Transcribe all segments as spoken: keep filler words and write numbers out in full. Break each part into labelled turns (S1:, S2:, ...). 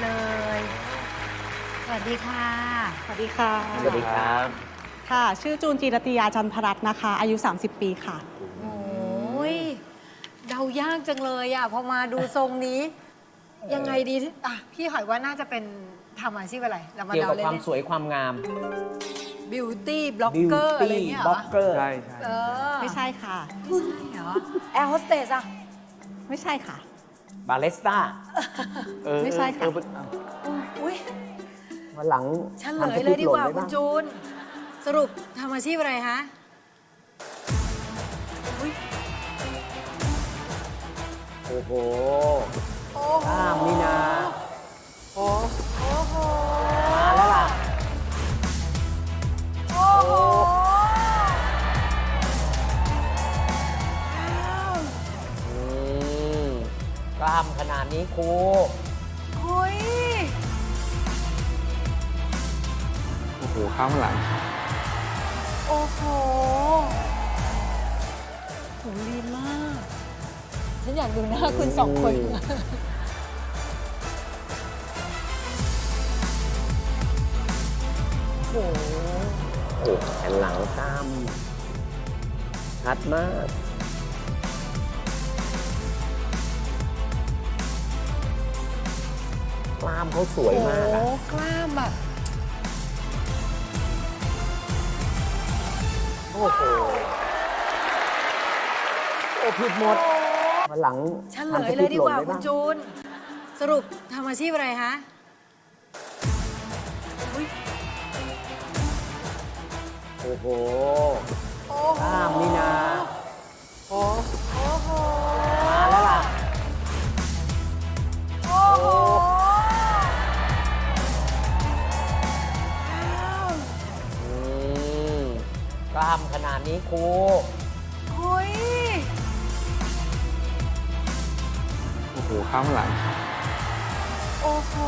S1: เลย สวัสดีค่ะ
S2: สวัสดีค่ะ
S3: สวัสดีครับ
S2: ค่ะ ชื่อจูนจีรติยาจันทรัตน์นะคะ อายุ สามสิบ ปีค่ะ
S1: โอ้ยเดายากจังเลยอ่ะพอมาดูทรงนี้ ยังไงดีที่อ่ะพี่หอยว่าน่าจะเป็นทำอาชีพอะไรเรามา
S3: เกี่ยว
S1: เดา
S3: กับ
S1: เล่
S3: ความ
S1: น
S3: สวยความงาม
S1: บิวตี้บล็อกเกอร์อะไรเงี้ย
S3: บ
S1: เหร
S3: ล็อ
S1: อก
S3: เกอร์
S4: ใช่ใช่
S1: เออ
S2: ไม่ใช่ค่ะ
S1: ไม่ใช่เหรอแอร์โฮสเตสอะ
S2: ไม่ใช่ค่ะ
S3: บาเลสต้า
S2: ไม่ใช่ค่ะ
S1: อุ้ย
S3: วันหลัง
S1: เฉลยเลยดีกว่าคุณจูน สรุปทำอาชีพอะไรฮะอุ๊ย
S3: โอ้โห
S1: โอ้โห
S3: กล้ามนี่นะ
S1: โอ้โห
S3: มาแล้วล่ะ
S1: โอ้โหอ้าว
S3: อืมกล้ามขนาดนี้ครู
S1: เฮ้ย
S4: โอ้โหข้ามหลัง
S1: โอ้โหโหลีนมาก ฉันอยากดูหน้าคุณสองคน โอ้โห
S3: โอ้แผ่นหลังกล้าม ชัดมาก กล้ามเขาสวยมากอะ
S1: โอ้โหกล้ามแบบ
S3: โอ้โห โอ้ผิดหมดวันหลัง
S1: เฉลยเลยดีกว่าคุณจูน สรุปทำอาชีพอะไรฮะอุ๊ย
S3: โอ้โห
S1: โอ้โห
S3: กล้ามนี่นะ
S1: โอ้โห
S3: มาแล้วล่ะ
S1: โอ้โหอ้าว
S3: อืมกล้ามขนาดนี้ครู
S1: เฮ้ย
S4: โอ้โหข้ามหลัง
S1: โอ้โห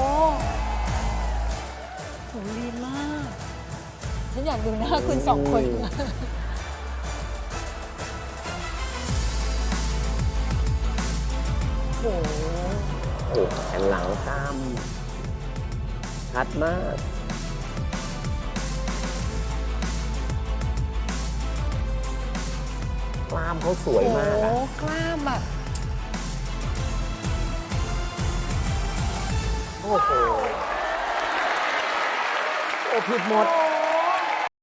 S1: โหลีนมาก ฉันอยากดูหน้าคุณสองคน โอ้โห
S3: โอ้แผ่นหลังกล้าม ชัดมาก กล้ามเขาสวยมากอะ
S1: โอ้โหกล้ามแบบ
S3: โอ้โห โอ้ผิดหมด
S1: โอ้